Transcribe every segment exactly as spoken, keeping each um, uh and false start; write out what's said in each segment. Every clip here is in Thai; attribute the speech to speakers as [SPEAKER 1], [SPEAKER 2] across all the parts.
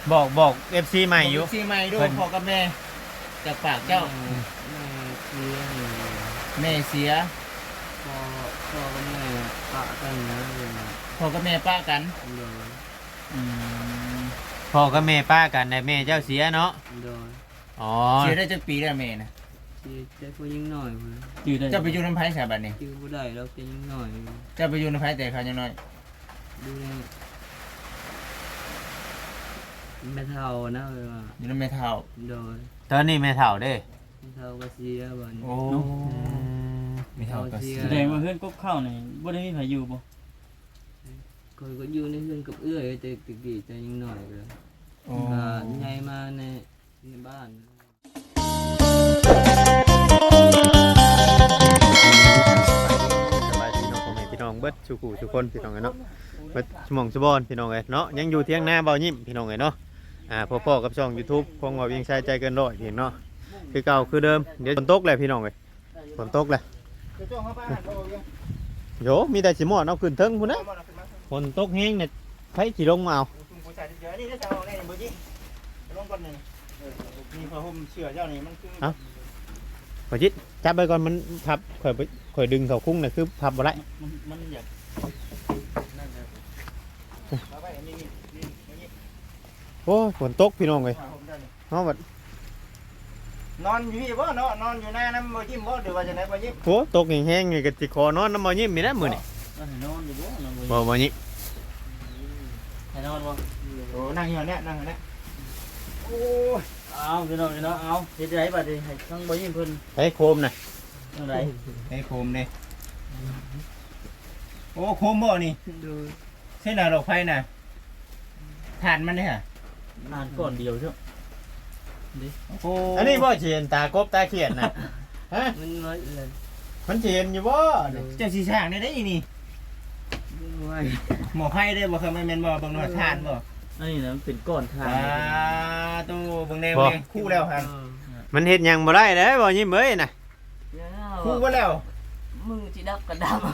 [SPEAKER 1] บอกบอก เอฟ ซี ใหม่อยู่
[SPEAKER 2] เอฟซีใหม่ดู
[SPEAKER 1] เพิ่น
[SPEAKER 2] พ่อกับแม่จากปากเจ้า
[SPEAKER 3] แม่เสียอยู่
[SPEAKER 2] แม่เสีย
[SPEAKER 3] พ่อพ่อกับแม่ปะกันนะเลยนะ
[SPEAKER 2] พ่อกับแม่ป้ากัน
[SPEAKER 3] โดย
[SPEAKER 1] อืมพ่อกับแม่ป้ากันแต่แม่เจ้าเสียเนาะ
[SPEAKER 3] โดย
[SPEAKER 1] อ๋อ
[SPEAKER 2] เสียได้จักปีแล้วแม่นะ
[SPEAKER 3] ที่แต่ก็ยิ่งหน่อยพุ่น
[SPEAKER 4] จืดได้
[SPEAKER 2] เจ้าไปอยู่น้ำไผ่สาบัดนี่
[SPEAKER 3] ที่บ่ได้เราจะยิ่งหน่อย
[SPEAKER 2] เจ้าไปอยู่น้ำไผ่แต่เขายังน้อย
[SPEAKER 3] ดูแลแม่เฒ่านะเลยว่า
[SPEAKER 2] อยู่น้ำแม่เฒ่า
[SPEAKER 3] โดย
[SPEAKER 1] ตอนนี้แม่เฒ่าเด้
[SPEAKER 3] แม่เฒ่าก็เสียบัดนี้
[SPEAKER 2] โอ้
[SPEAKER 1] อืม
[SPEAKER 2] แม่เฒ่าก็เสีย
[SPEAKER 4] แสดงว่าเพื่อนกบข้าวนี่บ่ได้มีไผอยู่บ่
[SPEAKER 3] คอยก็อยู่ในเรือนกับเอื้อยแต่ตะกี้แต่ยิ่งหน่อยเลย
[SPEAKER 2] โอ้
[SPEAKER 3] อ่าใหญ่มาในในบ้าน
[SPEAKER 1] สบายดีเนาะพ่อแม่พี่น้องเบิดสุขุทุกคนพี่น้องเอ้ยเนาะเบิดสมองสบอนพี่น้องเอ้ยเนาะยังอยู่เที่ยงหน้าเบายิ้มพี่น้องเอ้ยเนาะอ่าพ่อๆกับช่อง YouTube ของว่าเวียงชายใจเกินร้อยพี่เนาะคือเก่าคือเดิมเดี๋ยวฝนตกเลยพี่น้องเอ้ยฝนตกเลยโยมีแต่สิหมอดเอาขึ้นเทิงพุ่นนะฝนตกแห้งเนี่ยไผสิลงมาเอา
[SPEAKER 2] มีผ้าห่มเชื่อเจ้านี่มันคือ
[SPEAKER 1] ขอจิตจับไปก่อนมันพับข่อยไปข่อยดึงเขาคุ้งน่ะคือพับบ่ได้
[SPEAKER 4] มันมันอยาก
[SPEAKER 2] นั่นเลยเอาไปอันนี้นี่นี่นี่
[SPEAKER 1] โอ้ยฝนตกพี่น้องเอ้ย
[SPEAKER 2] ผ้าห่มเจ้านี่
[SPEAKER 1] เฮาบัด
[SPEAKER 2] นอนอยู่พี่บ่เนาะนอนอยู่หน้าน้ำบ่ยิ้มบ่หรือว่าจะไหนบ่ยิ้ม
[SPEAKER 1] โอ้ตกแห้งๆนี่ก็สิขอนอนน้ำบ่ยิ้มนี่นะมื้อนี่
[SPEAKER 4] มันให้นอนอยู่บ่นอน
[SPEAKER 1] บ่
[SPEAKER 4] บ่
[SPEAKER 1] บ่ยิ้ม
[SPEAKER 4] ให้นอนบ่
[SPEAKER 2] โอ้นั่งอยู่เนี่ยนั่งอยู่เนี่ยโอ้ย
[SPEAKER 4] เอาพี่น้องพี่น้องเอาเฮ็ดได้บัดนี้ให้ทั้งบ่ยิ้มเพิ่น
[SPEAKER 1] ไอ้โคมน่ะ
[SPEAKER 4] จังได๋
[SPEAKER 2] ไอ้โคมนี่โอ้โคมบ่นี่
[SPEAKER 3] โดย
[SPEAKER 2] เส้นหน้าดอกไฟน่ะทานมันเนี่ย
[SPEAKER 4] อ่านก่อนเดียวเถอะ
[SPEAKER 2] โอ้
[SPEAKER 1] อันนี้บ่สิเห็นตากบตาเขียนน่ะฮะ
[SPEAKER 3] มันน้อยเลย
[SPEAKER 1] มันสิเห็นอยู่บ่นี่
[SPEAKER 2] เจ้าสีช่างได้ได้อีนี่
[SPEAKER 3] ไว้
[SPEAKER 2] หมอไผ่ได้บ่เคยมันแม่นบ่บางหน่อยทานบ่
[SPEAKER 4] อันนี้นะมันเป็นก้อนทา
[SPEAKER 2] อ่าตู้เบิ่งแนวเบิ่งคู่แล้วครับ
[SPEAKER 1] มันเฮ็ดหยังบ่ได้เด้บ่ยิ้มเอ้ยน่ะ
[SPEAKER 2] คู่บ่แล้ว
[SPEAKER 3] มือจีดับกระดับ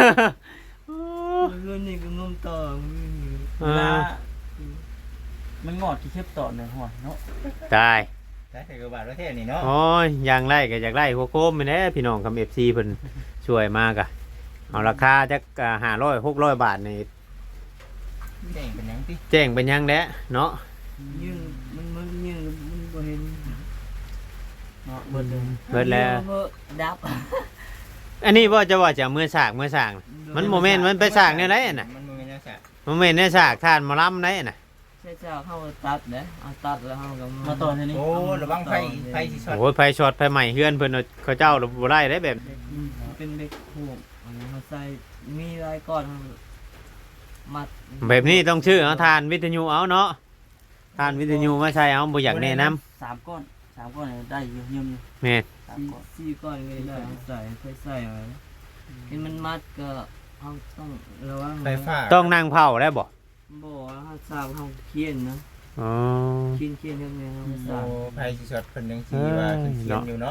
[SPEAKER 3] เรื่องนี้ก็งมต่อมือ
[SPEAKER 1] เอ
[SPEAKER 4] เวลา
[SPEAKER 1] อ
[SPEAKER 4] มันงอดที่เข็บต่อในหัวเนาะ
[SPEAKER 1] ตาย
[SPEAKER 2] ได้คือบาทประเทศนี่เนาะ
[SPEAKER 1] โอ้ยอย่างไรก็อยากได้หัวโคมนี่แหละพี่น้องกับ เอฟ ซี เพิ่นช่วยมากอะเอาราคาจักห้าร้อย หกร้อยบาทนี่
[SPEAKER 2] แดงเป็นหยังติ
[SPEAKER 1] แจ้งเป็นหยังแด้เนาะ
[SPEAKER 3] ยืนมันมันยืนมันบ่เห็น
[SPEAKER 4] เนาะเบิดเลย
[SPEAKER 1] เบิดแล้ว
[SPEAKER 3] ดับ
[SPEAKER 1] อันนี้บ่จะว่าจะเอามือสากมือสากน่ะมันโมเมนต์มันไปสากแนวไหนน่ะ
[SPEAKER 2] มันบ่แม่นจังซั่น
[SPEAKER 1] โมเมนต์ในสากทานหมอลำไหนน่ะ
[SPEAKER 3] ใช่จ้าเข้าตัดเด้เอาตัดแล้วเฮาก็
[SPEAKER 4] มาต่อทีนี้
[SPEAKER 2] โอ้ระวังไฟไฟสิช็อต
[SPEAKER 1] โอ้ยไฟช็อตไฟใหม่เฮือนเพิ่นเอาเขาเจ้าบ่ได้ได้แบบ
[SPEAKER 3] เป็นเด็กผูกอันนี้เขาใส่มีลายก้อนมัด
[SPEAKER 1] แบบนี้ต้องชื่อเอาทานวิทยุเอาเนาะทานวิทยุมาใช้เอาบ่อยากแนะนำ
[SPEAKER 4] สามก้อนสามก้อนเนี่ยได้อยู่ยืมอยู่
[SPEAKER 1] แม่น
[SPEAKER 4] สามก้อน
[SPEAKER 3] สี่ก้อนก็ได้เอาใส่ค่อยใส่เอาเห็นมันมัดก็เฮาต้องระวัง
[SPEAKER 2] ไฟฟ้า
[SPEAKER 1] ต้องนั่งเผาได้บ่
[SPEAKER 3] บ่เฮาสร้างเฮาเคียนนะ
[SPEAKER 1] อ๋อ
[SPEAKER 3] เคียนเคียนยังไงเฮาส
[SPEAKER 2] โอ้
[SPEAKER 3] ร้าง
[SPEAKER 2] ไฟสิช็อตเพิ่นจังซี่ว่าเพิ่นเขียนอยู่เนาะ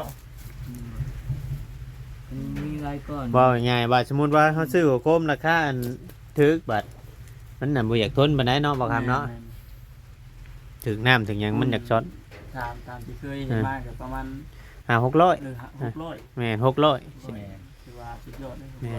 [SPEAKER 3] มันมีลายก้อน
[SPEAKER 1] ว่าง่ายๆว่าสมมุติว่าเขาซื้อหัวโคมราคาอันถึกบัดมันน่ะบ่อยากทนปานใดเนาะบ่ครับเนาะถึกน้ำถึงหยังมันอยากช็อต
[SPEAKER 4] ตามตามที่เคยเห็นมาก็ประมาณ
[SPEAKER 1] ห้าหกร้อย
[SPEAKER 4] เออหกร้อย
[SPEAKER 1] แม่นหกร้อย
[SPEAKER 4] ถือว่าสุดยอดเลย
[SPEAKER 1] แม่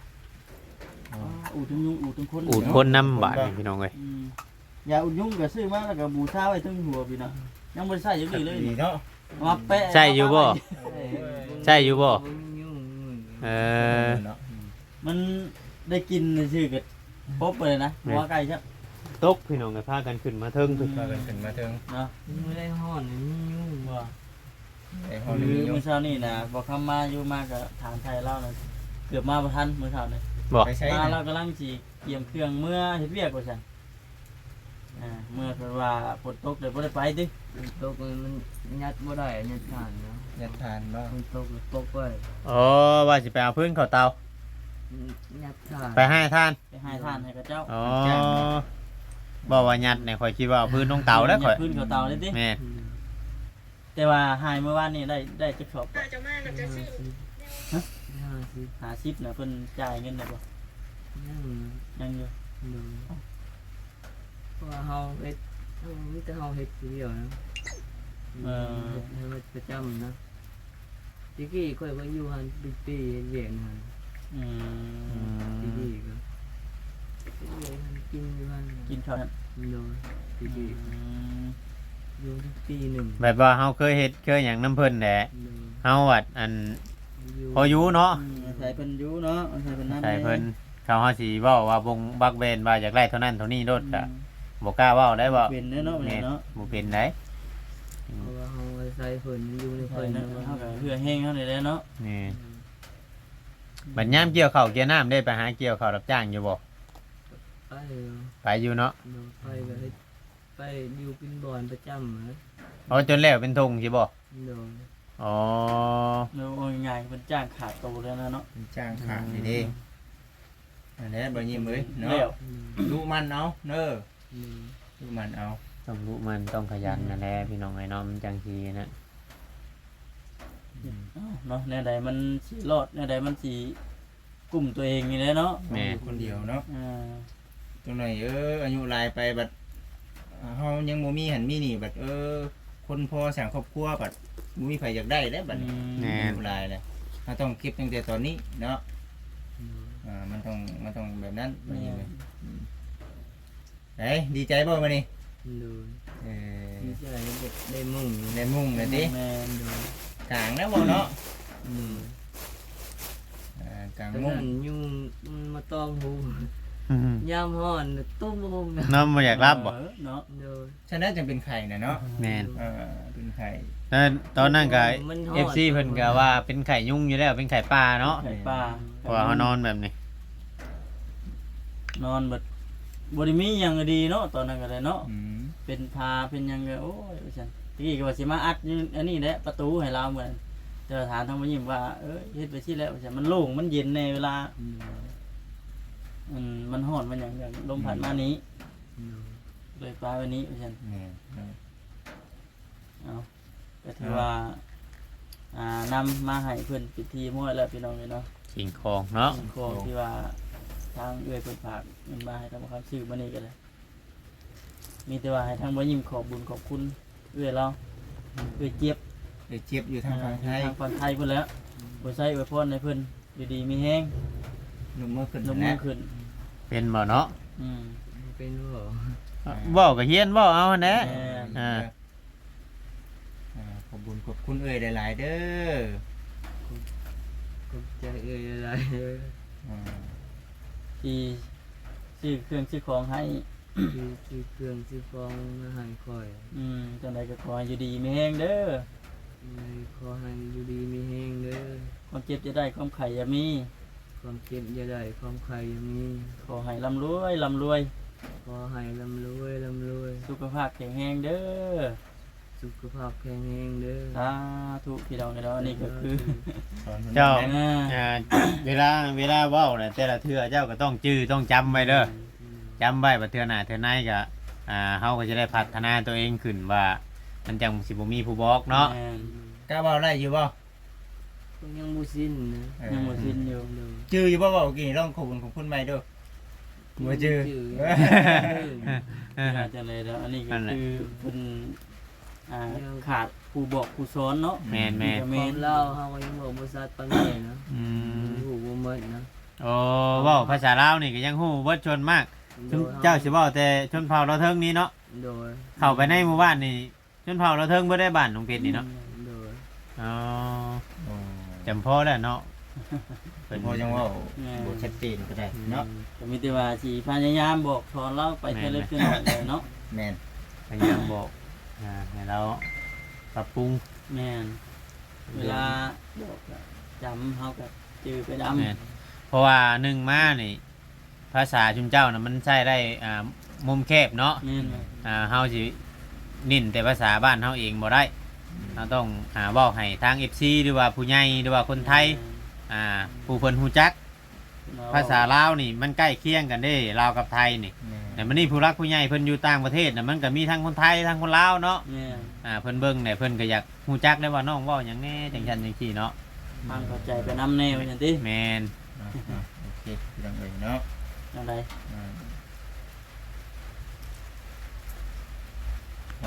[SPEAKER 4] อูดทั้งยุงอูดทั้งคน
[SPEAKER 1] อูดคนน้ำบาดนี่พี่น้องเอ้ย
[SPEAKER 4] อืมยาอุดยุงก็ซื้อมาแล้วก็บูชาไว้ทั้งหัวพี่นะยังบ่ได้ใช้อยู่นี่เลย
[SPEAKER 2] ดีเนาะ
[SPEAKER 4] มาแปะ
[SPEAKER 1] ใช่อยู่บ่ ใช่อยู่บ่ เออ
[SPEAKER 2] เนาะ
[SPEAKER 4] มันได้กินชื่อก็ป๊บไปเลยนะหัวไก่ใช่
[SPEAKER 1] ตกพี่น้องก็พากันขึ้นมาเทิงพี่
[SPEAKER 2] พากันขึ้นมาถึง
[SPEAKER 4] เนาะ
[SPEAKER 3] ไม่ได้ห่อนนี่ยุ่ง
[SPEAKER 4] ว่า
[SPEAKER 2] ไอ้ห้อง
[SPEAKER 4] คื
[SPEAKER 2] นี้
[SPEAKER 4] อ
[SPEAKER 2] มีอยู่
[SPEAKER 4] เมื่อเช้านี่นะบอกคำมาอยู่มากับถามไทยเล่านะเกือบมาประทันเมื่อเช้านี่
[SPEAKER 1] บอก
[SPEAKER 2] ไปใช้
[SPEAKER 4] มา
[SPEAKER 2] นะ
[SPEAKER 4] เรากำลังจีเตรียมเครื่องเมื่อเฮ็ดเวียกว่าซั่นอ่าเมื่อเพิ่นว่าฝนตกเดี๋ยวบ่ได้ไปติ
[SPEAKER 3] ตกมันยัดบ่ได้ยัดผ่านเนาะ
[SPEAKER 2] ยัดทานเนาะ
[SPEAKER 3] มันตกตกไป
[SPEAKER 1] อ๋อว่าสิไปเอาพื้นเข้าเตา
[SPEAKER 3] ยัดผ่าน
[SPEAKER 1] ไปให้ท่าน
[SPEAKER 4] ไปให้ทานให้กับเจ้า
[SPEAKER 1] อ๋อบอกว่ายัดเนี่ยข่อยคิดว่าเอาพื้นลงเตาแล้วข่อย
[SPEAKER 4] ขึ้นกับเตาเลยติ
[SPEAKER 1] แม่น
[SPEAKER 4] แต่ว่าหายเมื่อวานนี่ได้ได้จักสอบ
[SPEAKER 3] ห้าสิบ
[SPEAKER 4] ห้าสิบน่ะเพิ่นจ่ายเงินได้บ่
[SPEAKER 3] ยัง
[SPEAKER 4] ยังอยู่
[SPEAKER 3] ดูเพราะว่าเฮาเอ็ดเฮามีนี่แต่เฮาเฮ็ดผู้เดียวนะ
[SPEAKER 4] เออ
[SPEAKER 3] เฮ็ดให้มันประจำนะตะกี้ข่อยก็อยู่หันเป็นปีเฮ็ดเวียนหัน
[SPEAKER 4] อื
[SPEAKER 1] อื
[SPEAKER 4] ม
[SPEAKER 3] ตะ
[SPEAKER 1] ม
[SPEAKER 3] กี้ก็เฮ็ดเวียนหันกินอยู่หัน
[SPEAKER 4] กินข้าวนั้น
[SPEAKER 3] โดยตะกี้
[SPEAKER 4] อืม
[SPEAKER 3] อยู่ปีหนึ่ง
[SPEAKER 1] แบบว่าเฮาเคยเฮ็ดเคยหยังน้ำเพิ่นแหละ
[SPEAKER 3] โดย
[SPEAKER 1] เฮาวัดอัน
[SPEAKER 3] อยู่
[SPEAKER 1] พออยู่เนาะ
[SPEAKER 4] อืมอาศัยเพิ่นอยู่เนาะอาศัยเพิ่นนำ
[SPEAKER 1] ใช่เพิ่นเขาเฮาสิเว้าว่าบงบักเบนว่าอยากได้เท่านั้นเท่านี้โลดก็บ่กล้าเว้าได้บ่
[SPEAKER 4] เป็นเด้อเนาะ
[SPEAKER 1] แม่
[SPEAKER 4] แม่
[SPEAKER 1] น
[SPEAKER 4] เนาะ
[SPEAKER 1] บ่เป็นได้
[SPEAKER 3] เพราะว่าเฮาอาศัยเพิ่นอยู่ใน
[SPEAKER 4] เพิ่
[SPEAKER 3] เพิ่
[SPEAKER 4] น
[SPEAKER 3] น
[SPEAKER 4] เนาะ
[SPEAKER 3] นะ
[SPEAKER 4] เฮาก็เหือแห้งเฮาได้เนาะ
[SPEAKER 1] นี่บัดยามเกี่ยวข้าวเกี่ยวน้ำได้ไปหาเกี่ยวข้าวรับจ้างอยู่บ่
[SPEAKER 3] ไปเออ
[SPEAKER 1] ไปอยู่เนาะ
[SPEAKER 3] โดยไปก็เฮ็ดไปอยู่เป็นบ่อนประจำนะ
[SPEAKER 1] เอาจนแล้วเป็นทงสิบ่
[SPEAKER 3] โดย
[SPEAKER 1] อ๋อ
[SPEAKER 4] แล้วโอ้ยง่ายเพิ่นจ้างขาดโตแล้วนะเนาะ
[SPEAKER 2] เป็นจ้างขาดนี่เด้อันนี้บ่ยิ้มเอ้ย
[SPEAKER 4] แล้
[SPEAKER 2] เนาะ
[SPEAKER 4] ว
[SPEAKER 2] ดูมันเอาเด้อ
[SPEAKER 3] อืม
[SPEAKER 2] ดูมันเอา
[SPEAKER 1] ต้องรู้มันต้องขยันนั่นแหละพี่น้องไอ้น้องมันจังซีนะ
[SPEAKER 4] อ้าวเนาะแนวใดมันสิรอดแนวใดมันสิกลุ่มตัวเองนี่แหละเนาะ
[SPEAKER 1] แม่
[SPEAKER 2] อยู่คนเดียวเนาะ
[SPEAKER 4] อ่า
[SPEAKER 2] ตรงไหนเอออายุหลายไปบัดเฮายังบ่มีหันมีนี่บัดเออ คนพอสร้างครอบครัวบัดบ่มีไผอยากได้แล้วบัดนี้อายุหลายแล้วเราต้องเก็บตั้งแต่ตอนนี้เนาะอ่ามันต้องมันต้องแบบนั้นบ่ยิ้มเอ้ยเอ้ยดีใจบ่มื้อนี้
[SPEAKER 3] โดย
[SPEAKER 2] เออ
[SPEAKER 3] ดีใจได้ได้มุ่ง
[SPEAKER 2] ได้มุ่งเลยติ
[SPEAKER 4] แม่น
[SPEAKER 3] โดย
[SPEAKER 2] กลางแล้วบ่เนาะ
[SPEAKER 3] อืม
[SPEAKER 2] อ่ากลาง
[SPEAKER 3] แต่
[SPEAKER 2] มุ่ง
[SPEAKER 3] นั่นยุ่งมันมาตอมหู
[SPEAKER 1] อืม
[SPEAKER 3] ยามฮ้อนตุ้มลงนะ
[SPEAKER 1] น้องบ่อยากรับบ่
[SPEAKER 4] เออเนาะ
[SPEAKER 3] โดย
[SPEAKER 2] ฉะนั้นจึงเป็นไข่น่ะเนาะ
[SPEAKER 1] แม่น
[SPEAKER 2] อ่าเป็นไข่
[SPEAKER 1] แล้วตอนนั้นก็
[SPEAKER 3] มันฮอด
[SPEAKER 1] เอฟ ซี เพิ่นก็ว่าเป็นไข่ยุ่งอยู่แล้วเป็นไข่ปลาเนาะ
[SPEAKER 4] ไข่ปลา
[SPEAKER 1] เพราะว่าเขานอนแบบนี้
[SPEAKER 4] นอนเบิดบ่ได้มีหยังดีเนาะตอนนั้นก็ได้เนาะ
[SPEAKER 2] อืม
[SPEAKER 4] เป็นพาเป็นหยังก็โอ้ยว่าซั่นตะกี้ก็ว่าสิมาอัดอยู่อันนี้แหละประตูให้เราเหมือนแต่ว่าถามทางบ่ยิ้มว่าเอ้ยเฮ็ดไปสิแล้วว่าซั่นมันโล่งมันเย็นในเวลา
[SPEAKER 3] อืม
[SPEAKER 4] มันมันร้อนมันหยังอย่างลมพัดมานี้
[SPEAKER 3] อืม
[SPEAKER 4] เลยปลาวันนี้ว่าซั่น
[SPEAKER 2] แม่น
[SPEAKER 4] เอาก็ถือว่าอ่านำมาให้เพิ่นพิธีมั่วแล้วพี่น้องเลยเนาะ
[SPEAKER 1] สิ่งของเนาะ
[SPEAKER 4] ของที่ว่าทางเอื้อยเพิ่นฝากเงินมาให้ทำความซื้อมานี่ก็เลยมีแต่ว่าให้ทางบ่ยิ้มขอบบุญขอบคุณเอื้อยเราเอื้อยเจี๊ยบ
[SPEAKER 2] เดี๋ยวเจ็บอยู่ทางฝั่งไทย
[SPEAKER 4] ทางฝั่งไทยเพิ่นแล้วบ่ใส่อวยพรให้เพิ่นอยู่ดีมีแฮง
[SPEAKER 2] นุ่มมือขึ้น
[SPEAKER 4] ลงมือ
[SPEAKER 2] นะ
[SPEAKER 4] ขึ้น
[SPEAKER 1] เป็นบ่เนาะ
[SPEAKER 4] อืม
[SPEAKER 3] เป็นบ่
[SPEAKER 1] เว้าก็เฮียนเว้าเอาหั่นแหละ
[SPEAKER 4] แม่น
[SPEAKER 1] อ่า
[SPEAKER 2] อ่าขอบบุญขอบคุณเอ่ยหลายๆเด้อ
[SPEAKER 3] ก็จะเอ่ยอะไร
[SPEAKER 2] อ่า
[SPEAKER 4] ที่ซื้อเครื่องซื้อของให้
[SPEAKER 3] คือคือเครื่องซื้อของมาให้ข่อย
[SPEAKER 4] อืมจังไดก็ขอให้อยู่ดีมีแฮงเด้อ
[SPEAKER 3] เลยขอให้อยู่ดีมีแฮงเด้อ
[SPEAKER 4] ความเจ็บจะได้ความไข่อย่ามี
[SPEAKER 3] ความเจ็บอย่าได้ความใครอย่ามี
[SPEAKER 4] ขอให้ร่ำรวยร่ำรวย
[SPEAKER 3] ขอให้ร่ำรวยร่ำรวย
[SPEAKER 4] สุขภาพแข็งแรงเด้อ
[SPEAKER 3] สุขภาพแข็งแรงเด้อ
[SPEAKER 4] สาธุพี่น้องเนาะอันนี้ก็คือ
[SPEAKER 2] สอนพิ่น
[SPEAKER 1] เจ้า
[SPEAKER 2] นะ
[SPEAKER 4] อ่า
[SPEAKER 1] อ่าเวลาเวลาเว้าน่ะแต่ละเทื่อเจ้าก็ต้องจื้อต้องจำไว้เด้อจำไว้ว่าเทื่อหน้าเทื่อในก็อ่าเฮาก็จะได้พัฒนาตัวเองขึ้นว่า มันจังสิบ่มีผู้บอกเนาะ
[SPEAKER 4] แม่น
[SPEAKER 2] กล้าเว้าได้อยู่บ่
[SPEAKER 3] ก็ยังบ่สิ้นนะ
[SPEAKER 2] เออ
[SPEAKER 4] ยังบ่สิ้นอยู่
[SPEAKER 3] เด้อ
[SPEAKER 2] จื้ออยู่บ่เว้ากี่ลองขอบคุณของคุณใหม่เด้อบ่จื้อ
[SPEAKER 3] เออ
[SPEAKER 4] น่าจะเลยแล้วอันนี้ก็
[SPEAKER 1] นั่นแหละ
[SPEAKER 4] คือเพิ่นอ่าขาดผู้บอกผู้สอนเนาะ
[SPEAKER 1] แม่นแม่น
[SPEAKER 4] ก็
[SPEAKER 3] ค
[SPEAKER 4] แม่
[SPEAKER 3] วาม
[SPEAKER 4] น
[SPEAKER 3] เล่าเฮาก็ยังบอกบ่ชัดปานนี้นะ
[SPEAKER 1] อืม
[SPEAKER 3] ฮู้บ่หมดนะ
[SPEAKER 1] โอ้เว้าภาษาลาวนี่ก็ยังฮู้เบิดชนมาก
[SPEAKER 3] โด
[SPEAKER 1] ชน
[SPEAKER 3] ย
[SPEAKER 1] เจ้าสิเว้าแต่ชนเผ่าเราเทิงนี้เนาะ
[SPEAKER 3] โดย
[SPEAKER 1] เข้าไปในหมู่บ้านนี่ชนเผ่าเราเทิงบ่ได้บ้านของเพชรนี่เนาะ
[SPEAKER 3] โดย
[SPEAKER 1] อ๋อ
[SPEAKER 2] โอ้
[SPEAKER 1] จำพอแล้วเนาะ
[SPEAKER 2] พอจังเว่าบ่ชัดเจนก็ได้เนาะ
[SPEAKER 4] ก็มีแต่ว่าสิพยายามบอกสอนเราไปเท่าเล็กเท่าน้อยเลยเนาะ
[SPEAKER 2] แม่น
[SPEAKER 1] พยายามบอกอ่าให้เราปรับปรุง
[SPEAKER 4] แม่นเวลาบอกก็จำเฮาก็จือไปดำ
[SPEAKER 1] แม่นเพราะว่าหนึ่งมานี่ ภาษาชุมเจ้านะมันใช้ได้อ่ามุมแคบเนาะ
[SPEAKER 4] แม่น
[SPEAKER 1] อ่าเฮาสินิ่นแต่ภาษาบ้านเฮาเองบ่ได้เราต้องหาเว้าให้ทาง เอฟ ซี หรือว่าผู้ใหญ่หรือว่าคนไทยอ่าผู้เพิ่นฮู้จัก ภาษาลาวนี่มันใกล้เคียงกันเด้ลาวกับไทยนี่
[SPEAKER 2] แม่น
[SPEAKER 1] แต่มันนี่ผู้รักผู้ใหญ่เพิ่นอยู่ต่างประเทศน่ะมันก็มีทั้งคนไทยทั้งคนลาวเนาะ
[SPEAKER 4] แม่น
[SPEAKER 1] อ่าเพิ่นเบิ่งเนี่ยเพิ่นก็อยากฮู้จักได้ว่าน้องเว้าหยังแน่จังซั่นจังซี่เนาะ
[SPEAKER 4] ฟังเข้าใจไปนำแนวจังติ
[SPEAKER 1] แม่น
[SPEAKER 2] อ่าอ่าโอเคพี่น้องเอ้ยเนาะ
[SPEAKER 4] จังได
[SPEAKER 2] อ่า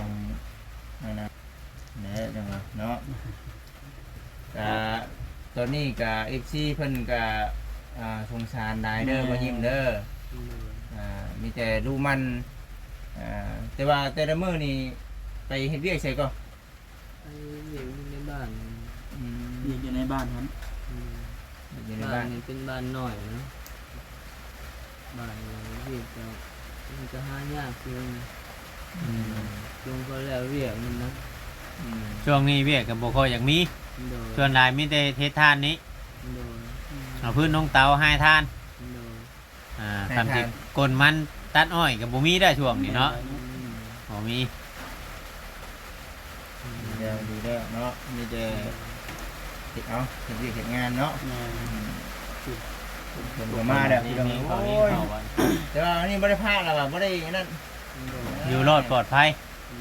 [SPEAKER 2] นั่นนะเนี่ยจังหวะเนาะกะตอนนี้กะ เอฟ ซี เพิ่นกะอ่าสงสารนายเด้อบ่ยิ้มเด้ออ่ามีแต่ดูมันอ่าแต่ว่าแต่ละมื้อนี่ไปเฮ็ดเวียกใส่ก็
[SPEAKER 3] ไอ้เด็กในบ้าน
[SPEAKER 2] อืม
[SPEAKER 4] อยู่ในบ้านครับ
[SPEAKER 2] อยู่ใน
[SPEAKER 3] บ้า
[SPEAKER 2] บ้าน น
[SPEAKER 3] นี่เป็นบ้านหน่อยนะบ้านเรียกจะมันจะหายากคือ
[SPEAKER 1] อืม
[SPEAKER 3] ลงก็แล้วเรียกมันนะ
[SPEAKER 2] อืม
[SPEAKER 1] ช่วงนี้เวียกก็บ่ค่อยอยากมี
[SPEAKER 3] โดย
[SPEAKER 1] ส่วนหลายมีแต่เทศทานนี้
[SPEAKER 3] โดย
[SPEAKER 1] เอาพื้นน้องเตาให้ทาน
[SPEAKER 3] โดย
[SPEAKER 1] อ่าทำที่กลมันตัดอ้อยก็บ่มีได้ช่วงนี้เนาะ
[SPEAKER 3] อืม
[SPEAKER 1] บ่มี
[SPEAKER 2] เดี๋ยวดีเด้อเนาะมีแต่เฮ็ดเอาเฮ็ดเวียกเฮ็ดงานเนาะ
[SPEAKER 4] แม่
[SPEAKER 2] เพิ่นก็มาแล้วพี่น้อง
[SPEAKER 1] เขา
[SPEAKER 2] โอ้
[SPEAKER 1] นี่
[SPEAKER 2] ย
[SPEAKER 1] เขาว่า
[SPEAKER 2] แต่ว่าอันนี้บ่ได้พลาดแล้วว่ะบ่ได้นั่น
[SPEAKER 3] โดย
[SPEAKER 1] อยู่รอดปลอดภัย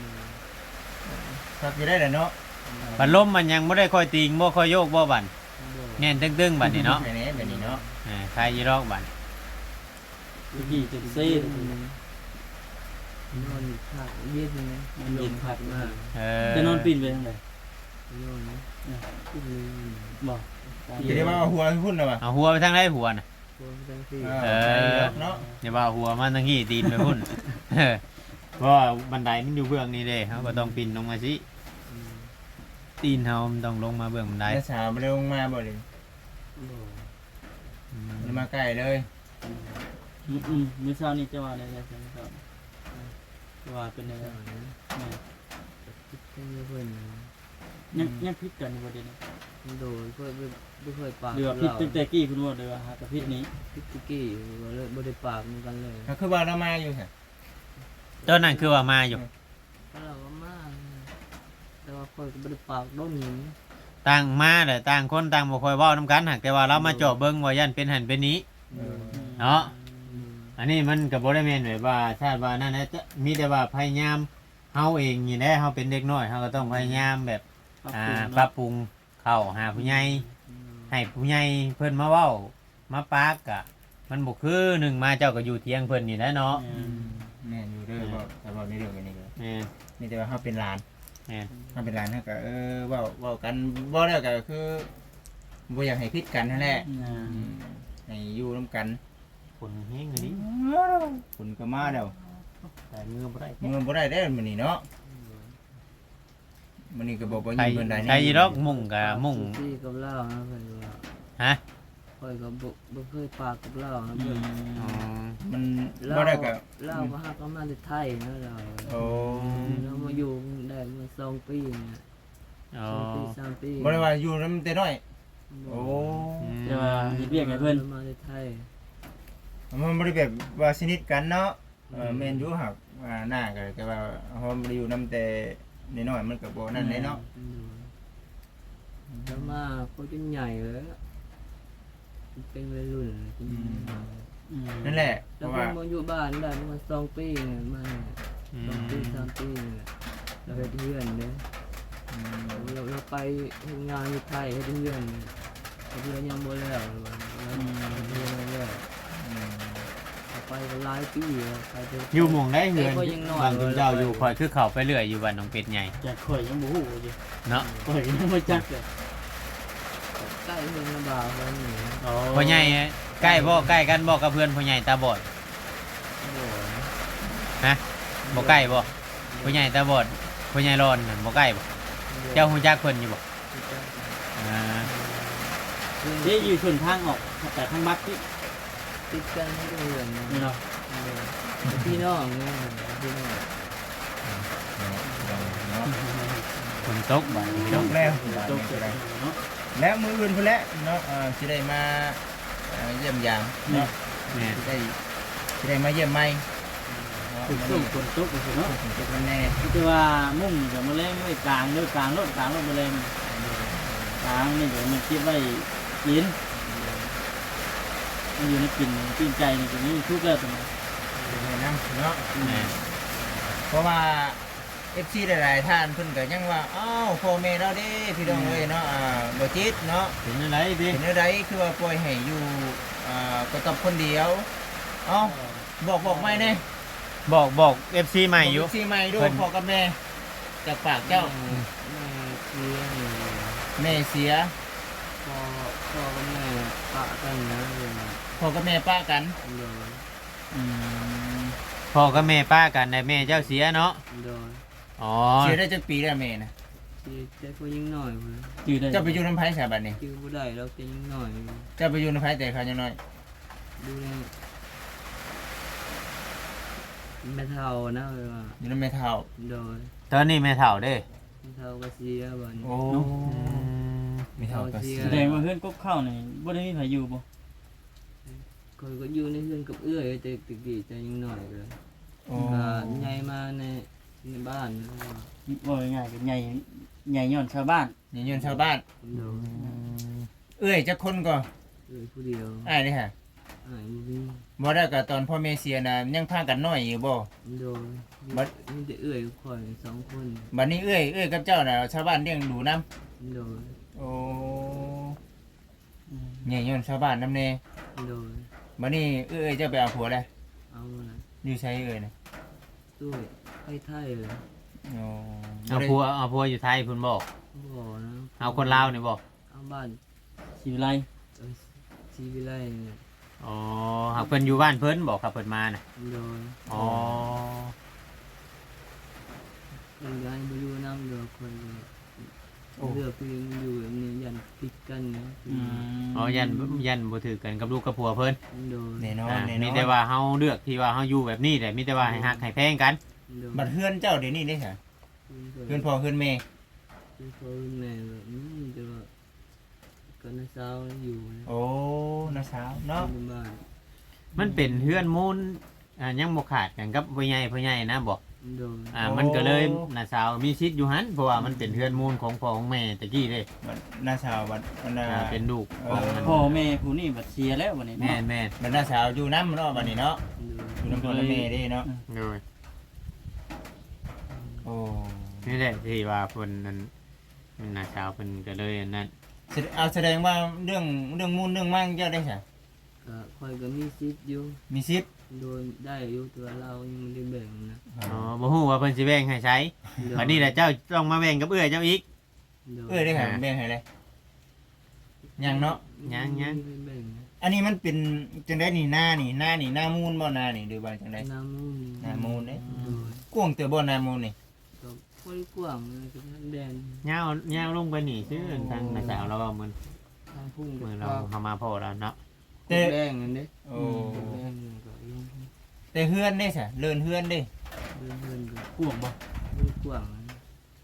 [SPEAKER 2] ครับอยู่ได้แหละเนาะ
[SPEAKER 1] บัดลมมันยังบ่ได้ค่อยติงบ่ค่อยโยกบ่บัด
[SPEAKER 3] โดย
[SPEAKER 1] แน่นตึ้งๆบัดนี้เนาะ
[SPEAKER 2] ไปไหนไปนี่เนาะ
[SPEAKER 1] อ่าใครยีรอกบัด
[SPEAKER 4] ตะกี้จุดซีด
[SPEAKER 3] นอนผักเย็นนะ
[SPEAKER 4] มันเย็นพัก
[SPEAKER 3] มาก
[SPEAKER 1] เออ
[SPEAKER 4] จะนอนปีนไปทางไหน
[SPEAKER 3] นอนนะขึ้นเลย
[SPEAKER 4] บอก
[SPEAKER 2] จะได้ว่าเอาหัวพุ่นน่ะว่ะ
[SPEAKER 1] เอาหัวไปทางไหนหัวน่ะ
[SPEAKER 3] ตัวจังซี่
[SPEAKER 2] เออเนาะ
[SPEAKER 1] อย่าว่าหัวมันทางนี้ตีนไปพุ่น เออเพราะว่าบันไดมันอยู่เบื้องนี้เด้เฮาก็ต้องปีนลงมาสิ
[SPEAKER 3] อืม
[SPEAKER 1] ตีนเฮามันต้องลงมาเบื้องบันได
[SPEAKER 2] แล้วสาวบ่ได้ลงมาบ่เลย
[SPEAKER 3] โดย
[SPEAKER 1] อืม
[SPEAKER 2] มันมาใกล้เลย
[SPEAKER 4] อืมอืมมื้อเช้านี้จะว่าได้แล้วใช่ไหมครับจะว่าเป็นยังไง
[SPEAKER 3] เจ้านะ
[SPEAKER 4] แม่
[SPEAKER 3] คิดกันเพิ่น
[SPEAKER 4] ยังยังพิษกันอยู่บ่เดี๋ยวนี้
[SPEAKER 3] โดยเพิ่นบ่เคยปาก
[SPEAKER 4] เรือว่าพิษตั้งแต่กี้คุณว่าเรือว่าหากบพิษนี้
[SPEAKER 3] พิษตะกี้บ่เลยบ่ได้ปากเหมือนกันเลย
[SPEAKER 2] ก็คือว่าเรามาอยู่ค่ะ
[SPEAKER 1] ตอนนั้นคือว่ามาอยู่
[SPEAKER 3] ถ้าเราก็มาแต่ว่าค่อยก็บ่ได้ปากโดนหยัง
[SPEAKER 1] ต่างมาแต่ต่างคนต่างบ่ค่อยเว้านํกันหากแต่ว่าเรามาเจาะเบิ่งว่ายันเป็นหันเป็นนี้
[SPEAKER 2] เออ
[SPEAKER 1] เนาะ
[SPEAKER 3] อืม
[SPEAKER 1] อันนี้มันก็บ่ได้แม่นแบบว่าชาติว่านั่นนะจะมีแต่ว่าพยายามเฮาเองนี่แหละเฮาเป็นเด็กน้อยเฮาก็ต้องพยายามแบบ
[SPEAKER 4] ปรับ
[SPEAKER 1] อ่า
[SPEAKER 4] ปรุง
[SPEAKER 1] ปรับปรุงเข้าหาผู้ใหญ่
[SPEAKER 3] อืม
[SPEAKER 1] ให้ผู้ใหญ่เพิ่นมาเว้ามาปากกะ มันบ่คือหนึ่งมาเจ้าก็อยู่เที่ยงเพิ่นนี่แหละเนาะ
[SPEAKER 4] อืม
[SPEAKER 2] แม่นอยู่เด้อบ่แต่ว่าในเรื่องอันนี้ก็
[SPEAKER 1] แม่น
[SPEAKER 2] มีแต่ว่าเฮาเป็นหลาน
[SPEAKER 1] แม่น
[SPEAKER 2] เฮาเป็นหลานเฮาก็เออเว้าเว้ากันบ่แล้วก็คือบ่อยากให้ผิดกันนั่นแหละ
[SPEAKER 4] อ่า
[SPEAKER 2] อืมให้อยู่นํกัน
[SPEAKER 1] คนเฮงอันนี้
[SPEAKER 2] คุณก็มาแล้ว
[SPEAKER 1] แต่มือบ่ได้
[SPEAKER 2] เงินบ่ได้ได้อมื้อนี้เนาะมื้อนี้ก็บอกว่า
[SPEAKER 1] ใคร
[SPEAKER 2] ยิงเพิ่นได้
[SPEAKER 1] ใครดอกมุ่งกะมุ่ง
[SPEAKER 3] ที่กับเหล้านะเพิ่นว่า
[SPEAKER 1] ฮะ
[SPEAKER 3] ค่อยก็บ่บ่เคยปากกับเหล้านะ
[SPEAKER 4] อื
[SPEAKER 3] เพิ่น
[SPEAKER 4] ม
[SPEAKER 1] อ๋อ
[SPEAKER 2] มัน
[SPEAKER 3] เหล้า
[SPEAKER 2] บ่ได้ก็
[SPEAKER 3] เหล้าก็ฮักก็มาจากไทยนะเรา
[SPEAKER 2] โอ้
[SPEAKER 3] เรามาอยู่ได้มาสองปีเนี่ย
[SPEAKER 1] อ๋อ
[SPEAKER 3] สองปีสามปี
[SPEAKER 2] บ่ได้ว่าอยู่นำแต่น้อยโอ้
[SPEAKER 4] จะว่าเฮ็ดเรียกให้เพิ่น
[SPEAKER 3] มาจากไทย
[SPEAKER 2] มันบ่ได้แบบว่าสนิทกันเนาะเออแม่นอยู่หักว่าหน้าก็แต่ว่าเฮาบ่ได้อยู่นำแต่น้อยๆมันก็บ่นั่นเลยเนาะ
[SPEAKER 3] อืมแล้วมาก็จนใหญ่เลยเป็นวัยรุ่นจน
[SPEAKER 4] อืม
[SPEAKER 2] นั่นแหละเพ
[SPEAKER 3] แล้ว
[SPEAKER 2] ราะ
[SPEAKER 3] เพิ่
[SPEAKER 2] ว่าน
[SPEAKER 3] มาอยู่บ้านได้ประมาณสองปีเนี่ยมาเนี่ย
[SPEAKER 1] อื
[SPEAKER 3] สองปี
[SPEAKER 1] ม
[SPEAKER 3] สามปีเนี่ยเราไปเพื่อนเนี่ย
[SPEAKER 2] อืม
[SPEAKER 3] เราเราไปทำงานที่ไทยให้เพื่อนเนี่ยเพื่อนยังบ่แล้วเราเพื่อนยังแล้ว
[SPEAKER 2] อืม
[SPEAKER 3] เราไปก็หลายปีแล้วไปเถะ
[SPEAKER 1] อยู่หม่องได้เฮือน
[SPEAKER 3] แต่ก็ยังน้อย
[SPEAKER 1] บางคุณเจ้าอยู่คอยคือเข้าไปเรื่อยอยู่บ้านน้องเป็ดใหญ่
[SPEAKER 4] จากข่อยยังบ่ฮู้อยู่
[SPEAKER 1] เนาะ
[SPEAKER 4] ข่อยยังบ่จักเลย
[SPEAKER 3] ใกล้เมืองนาบาวเขาหนี
[SPEAKER 4] อ๋อ
[SPEAKER 1] พ่อใหญ่ใกล้บ่ใกล้กันบ่กับเพื่อนพ่อใหญ่ตาบอด
[SPEAKER 3] โอ้ย
[SPEAKER 1] ฮะบ่ใกล้บ่พ่อใหญ่ตาบอดพ่อใหญ่ร้อนนั่นบ่ใกล้บ่เจ้าฮู้จักเพิ่นอยู่บ่อ่า
[SPEAKER 4] เด้อยู่ชนทางออกแต่ทางบักที่
[SPEAKER 3] ติดกันให้เพื่อน
[SPEAKER 4] นี่
[SPEAKER 3] เนาะ
[SPEAKER 4] เนาะ
[SPEAKER 3] พี่น้องเนี่ยพี่น้อง
[SPEAKER 2] เนาะ
[SPEAKER 1] ฝนตกบ้านพี่
[SPEAKER 2] จ
[SPEAKER 1] น้อง
[SPEAKER 2] บแล้ว
[SPEAKER 4] ตกเสร็จแล้วเนาะ
[SPEAKER 2] แล้วมื้ออื่นพุ่นแหละเนาะเอ่อสิได้มาเอ่อเยี่ยมยามเนาะ
[SPEAKER 1] แม่น
[SPEAKER 2] สิได้สิได้มาเยี่ยมใหม่เนาะ
[SPEAKER 4] ฝนตกฝนตกไปเนาะ
[SPEAKER 2] ฝนตกแน่
[SPEAKER 4] ที่ว่ามุ่งกับแมลงไว้กลางด้วยกลางรถกลางรถแมลงกลางนี่เดี๋ยวมันคิดไว้กินมันอยู่ในกินปิ้งไก่นี่ตรงนี้ทุกแล้วตรงนี้
[SPEAKER 2] แนะนำเนาะ
[SPEAKER 1] แม่น
[SPEAKER 2] เพราะว่า เอฟ ซี หลายๆท่านเพิ่นก็ยังว่าอ้าวพ่อแม่เราเด้พี่น้องเอ้ยเนาะอ่าบ่จิตเนาะ
[SPEAKER 1] เป็นอะไรดิ
[SPEAKER 2] เป็นจังไดคือว่าปล่อยให้อยู่อ่าก็กับคนเดียวเอ้าบอกบอกไม่แน่
[SPEAKER 1] บอกบอก เอฟ ซี ใหม่อยู่
[SPEAKER 2] บอก เอฟ ซี ใหม่ดู
[SPEAKER 1] เพิ่น
[SPEAKER 2] พ่อกับแม่จากปากเจ้า
[SPEAKER 3] แม่เสียนี่
[SPEAKER 2] แม่เสีย
[SPEAKER 3] พ่อพ่อกับแม่ปะกันนะเลยนะ
[SPEAKER 2] พ่อกับแม่ป้ากัน
[SPEAKER 3] โดย
[SPEAKER 2] อืม
[SPEAKER 1] พ่อกับแม่ป้ากันแต่แม่เจ้าเสียเนาะ
[SPEAKER 3] โดย
[SPEAKER 1] อ๋อ
[SPEAKER 2] เสียได้จักปีแล้วแม่นะ
[SPEAKER 3] ที่แต่ก็ยิ่งหน่อยเลย
[SPEAKER 4] จื้อได้
[SPEAKER 2] เจ้าไปอยู่น้ำไผ่สาบัดนี่
[SPEAKER 3] คิวบ่ได้เราจะยิ่งหน่อย
[SPEAKER 2] เจ้าไปอยู่น้ำไผ่แต่เขายังน้อย
[SPEAKER 3] ดูแลแม่เท่านะเลยว่า
[SPEAKER 2] อยู่น้ำแม่เฒ่า
[SPEAKER 3] โดย
[SPEAKER 1] ตอนนี้แม่เฒ่าเด้
[SPEAKER 3] แม่เท่าก็เสียบ่นี้
[SPEAKER 2] โอ้แม่เฒ่าก็เสีย
[SPEAKER 4] แสดงว่าเพื่อนกบเข้านี่บ่ได้มีไผอยู่บ่
[SPEAKER 3] คอยก็อยู่ในเรือนกับเอื้อยแต่ตึกดีจะยิ่งหน่อยเลย
[SPEAKER 2] โอ้
[SPEAKER 3] ก็ใหญ่มาในในบ้านนะ
[SPEAKER 4] บ่ง่ายๆก็ใหญ่ใหญ่ย้อนชาวบ้าน
[SPEAKER 2] นี่ยืนชาวบ้าน
[SPEAKER 3] โดย
[SPEAKER 2] เอ้ยจักคนก็
[SPEAKER 3] เอื้อยผู้เดียว
[SPEAKER 2] อ้ายนี่ฮะ
[SPEAKER 3] อ้ายบ่มี
[SPEAKER 2] บ่ได้ก็ตอนพ่อแม่เสียน่ะยังพากันน้อยอยู่บ่
[SPEAKER 3] โดย
[SPEAKER 2] บัด
[SPEAKER 3] มีแต่เอื้อยคอยสองคน
[SPEAKER 2] บัดนี้เอ้ยเอ้ยกับเจ้าน่ะชาวบ้านเลี้ยงดูนํ
[SPEAKER 3] โดย
[SPEAKER 2] โอ้เนี่ยย้อนชาวบ้านนำแน่
[SPEAKER 3] โดย
[SPEAKER 2] บัดนี้เอ้ยเจ้าไปเอาผัวแล้ว
[SPEAKER 3] เอาละ
[SPEAKER 2] อยู่ไสเอ้ยน่ะ
[SPEAKER 3] ด้วยไอ้ไทยเลย
[SPEAKER 2] โอ้
[SPEAKER 1] เอาผัวเอาผัวอยู่ไทยพุ่นบอก
[SPEAKER 3] บ่นะ
[SPEAKER 1] เอาคนลาวนี่บอก
[SPEAKER 3] เอาบ้าน
[SPEAKER 4] สิวิไล
[SPEAKER 3] เอ้ยชีวิไลเนี่ย
[SPEAKER 1] อ๋อหากเพิ่นอยู่บ้านเพิ่นบอกครับเพิ่นมาน่ะ
[SPEAKER 3] โดย
[SPEAKER 1] อ๋อ
[SPEAKER 3] คนย้ายไปอยู่น้ำเดือคนเลยเลือกพี่อยู่แบบนี้ยันติดกันนะ
[SPEAKER 4] อืม
[SPEAKER 1] อ๋อยันยันบ่ถือกันกับลูกกับผัวเพิ่น
[SPEAKER 3] โดย
[SPEAKER 2] แน่นอน
[SPEAKER 1] อ่า
[SPEAKER 2] แน่นอน
[SPEAKER 1] มีแต่ว่าเฮาเลือกที่ว่าเฮาอยู่แบบนี้แหละมีแต่ว่าให้ฮักให้แพงกัน
[SPEAKER 3] โดย
[SPEAKER 2] บัดเฮือนเจ้าเดี๋ยวนี้ได้ซะเฮือนพ่อเฮือนแม่
[SPEAKER 3] คือพ่อแม่แบบนี้จะว่าก็น้าสาวอยู่นะ
[SPEAKER 2] โอ้น้าสาวเนาะ
[SPEAKER 3] อยู่บ้าน
[SPEAKER 1] มันเป็นเฮือนมูลอ่ายังบ่ขาดกันกับพ่อใหญ่พ่อใหญ่นะบอก
[SPEAKER 3] โดย
[SPEAKER 1] อ่ามันก็เลยน้าสาวมีชิดอยู่หันเพราะว่ามันเป็นเฮือนมูลของพ่อของแม่ตะกี้เด้
[SPEAKER 2] บัดน้าสาวบัดบัดน้า
[SPEAKER 1] อ่าเป็นลูกของมัน
[SPEAKER 4] พ่อแม่ผู้นี้บัดเสียแล้วบัดนี้
[SPEAKER 1] แม่
[SPEAKER 4] เนาะ
[SPEAKER 1] นแม่น
[SPEAKER 2] บัดน้าสาวอยู่น้ำเนาะบัดนี้เนาะ
[SPEAKER 3] โดย
[SPEAKER 2] อยู่น้ำพ่อน้ำแม่เด้เนาะ
[SPEAKER 1] โดย
[SPEAKER 2] โอ้
[SPEAKER 1] นี่แหละที่ว่าเพิ่นนั้นน้าสาวเพิ่นก็เลยอันนั้น
[SPEAKER 2] แสดเอาแสดงว่าเรื่องเรื่องมูลเรื่องมั่งเจ้าได้ซะ
[SPEAKER 3] ก็คอยก็มีสิทธิ์อยู่
[SPEAKER 2] มีสิทธิ์
[SPEAKER 3] โดยได้อยู่ตัวเรายังไม่ได้แบ่งนะ
[SPEAKER 1] อ๋อบ่ฮู้ว่าเพิ่นสิแบ่งให้ใช้
[SPEAKER 3] โดย
[SPEAKER 1] บัดนี้แหละเจ้าต้องมาแบ่งกับเอื้อยเจ้าอีก
[SPEAKER 3] โดย
[SPEAKER 2] เอ้ยได้ค่ะแบ่งให้เลยยังเนาะ
[SPEAKER 1] ยังยัง
[SPEAKER 3] ไม่ได้แบ่งนะ
[SPEAKER 2] อันนี้มันเป็นจังได้นี่หน้านี่หน้านี่หน้ามูลบ่หน้านี่หรือว่าจังได๋
[SPEAKER 3] น้ำมูล
[SPEAKER 2] หน้ามูลเด้
[SPEAKER 3] โดย
[SPEAKER 2] กว้างเตือบ่หน้ามูลนี่
[SPEAKER 3] ก็ค่อยกว้างเลยก็ทั้งแดน
[SPEAKER 1] ยาวยาวลงไปนี่ซื่อทางน้าสาวเราว่ามัน
[SPEAKER 3] ทางพุ่ง
[SPEAKER 1] มือ
[SPEAKER 3] ก็
[SPEAKER 1] เราเฮามาพอแล้วเนาะ
[SPEAKER 3] แต่แบ่งกันเด้
[SPEAKER 2] โอ้
[SPEAKER 3] แบ่งกันก็ยัง
[SPEAKER 2] แต่เฮือนได้ซะเลินเฮือนเด้
[SPEAKER 3] เดินเดินก็
[SPEAKER 4] พวกบ่
[SPEAKER 3] ค่อยกว้างนะ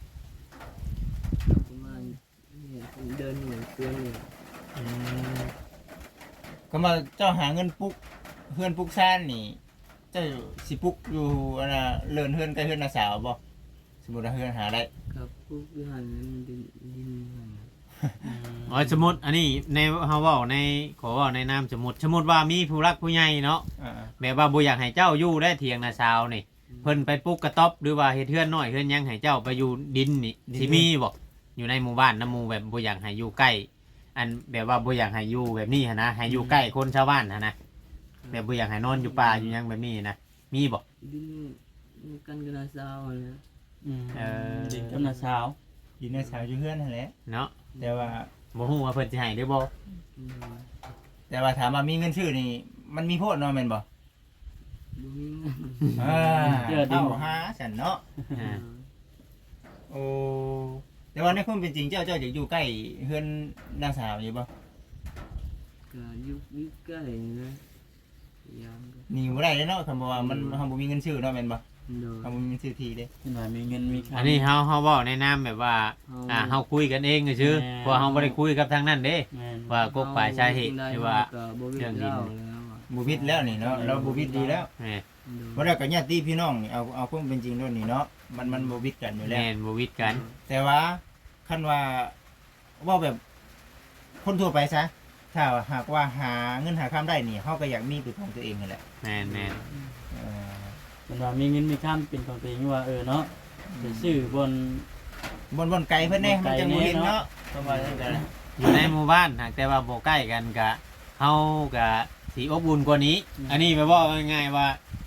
[SPEAKER 3] ประมาณเนี่ยเดินเหมือนเพื่อนเลย
[SPEAKER 2] อืมก็มาเจ้าหาเงินปุ๊กเฮือนปุ๊กซ่านนี่ เจ้าสิปุ๊กอยู่อันน่ะเลินเฮือนใกล้เฮือนน้าสาวบ่สมมุติว่าเฮือนหาได้
[SPEAKER 3] ครับพวกวิหารนั้นดินดินหันนะ
[SPEAKER 1] อ๋อสมมุติอันนี้ในเฮาเว้าในขอเว้าในนามสมมุติสมมุติว่ามีผู้รักผู้ใหญ่เนาะ
[SPEAKER 2] อ่า
[SPEAKER 1] แบบว่าบ่อยากให้เจ้าอยู่ได้เถียงน้าสาวนี่เพิ่นไปปลูกกระต๊อบหรือว่าเฮ็ดเฮือนน้อยเฮือนหยังให้เจ้าไปอยู่ดินนี่สิมีบ่อยู่ในหมู่บ้านน้ำหมู่แบบบ่อยากให้อยู่ใกล้ อันแบบว่าบ่อยากให้อยู่แบบนี้หันนะให้อยู่ใกล้คนชาวบ้านหันนะแบบบ่อยากให้นอนอยู่ป่าอยู่หยังแบบนี้นะมีบ่
[SPEAKER 3] ดินมีกันกันนาซาวนะ
[SPEAKER 4] อืม
[SPEAKER 1] เออ
[SPEAKER 4] ดินกับน้าสาว
[SPEAKER 2] อยู่น้าสาวอยู่เฮือนนั่นแหละ
[SPEAKER 1] เนาะ
[SPEAKER 2] แต่ว่า
[SPEAKER 1] บ่ฮู้ว่าเพิ่นสิให้หรือบ่
[SPEAKER 3] อืม
[SPEAKER 2] แต่ว่าถามว่ามีเงินชื่อนี่ มันมีโพดเนาะแม่นบ่
[SPEAKER 3] ดูมีเงิน
[SPEAKER 2] อ่าเอาหาฉันเนาะ
[SPEAKER 1] อ่า
[SPEAKER 2] โอ้แต่ว่าในความเป็นจริงเจ้าเจ้าจะอยู่ใกล้เฮือนนางสาวอยู่บ่
[SPEAKER 3] ก็อยุคยุคใกล้นะยามก็
[SPEAKER 2] หนี่บ่ได้เลยเนาะคำว่ามันเฮาบ่มีเงินชื่อเนาะแม่นบ่
[SPEAKER 3] โดย
[SPEAKER 2] เฮาบ่มีเงินชื่อทีเด้
[SPEAKER 4] เห็นว่ามีเงินมีคำ
[SPEAKER 1] อันนี้เฮาเฮาเว้าในนามแบบว่าอ่าเฮาคุยกันเองซื่อ
[SPEAKER 4] แม่
[SPEAKER 1] เพราะว่าเฮาบ่ได้คุยกับทางนั้นเด้
[SPEAKER 4] แม่น
[SPEAKER 1] ว่ากกปลายสาเหตุหรือว่า
[SPEAKER 3] ก็บ่มี
[SPEAKER 1] เรื่องดิน
[SPEAKER 3] เล่าแล้วอะ
[SPEAKER 2] บ่วิดแล้วนี่เนาะเราบ่วิดดีแล้ว
[SPEAKER 1] แหม่
[SPEAKER 3] โดย
[SPEAKER 2] บ่ได้ก็ญาติพี่น้องนี่เอาเอาความเป็นจริงด้วยนี่เนาะมันมันบ่วิดกันอยู่แล้ว
[SPEAKER 1] แม่นบ่วิดกัน
[SPEAKER 2] แต่ว่าคันว่าเว่าแบบคนทั่วไปซะถ้าหากว่าหาเงินหาค้ำได้นี่เฮาก็อยากมีเป็นของตัวเองนั่นแหละ
[SPEAKER 1] แม่นแม่น
[SPEAKER 2] เออ
[SPEAKER 4] เห็นว่ามีเงินมีคำเป็นของตัวเองว่าเออเนาะไปซื้อบน
[SPEAKER 2] บนบนไกลเพิ่นเด้
[SPEAKER 4] บนไกล
[SPEAKER 2] มันจะบ่เห็น
[SPEAKER 4] แน่เนาะ
[SPEAKER 2] เนาะประมาณนั้นกัน
[SPEAKER 1] อยู่ในหมู่บ้านหากแต่ว่าบ่ใกล้กันก็เฮาก็สิอบอุ่นกว่านี้ อันนี้แปลว่าง่ายๆว่า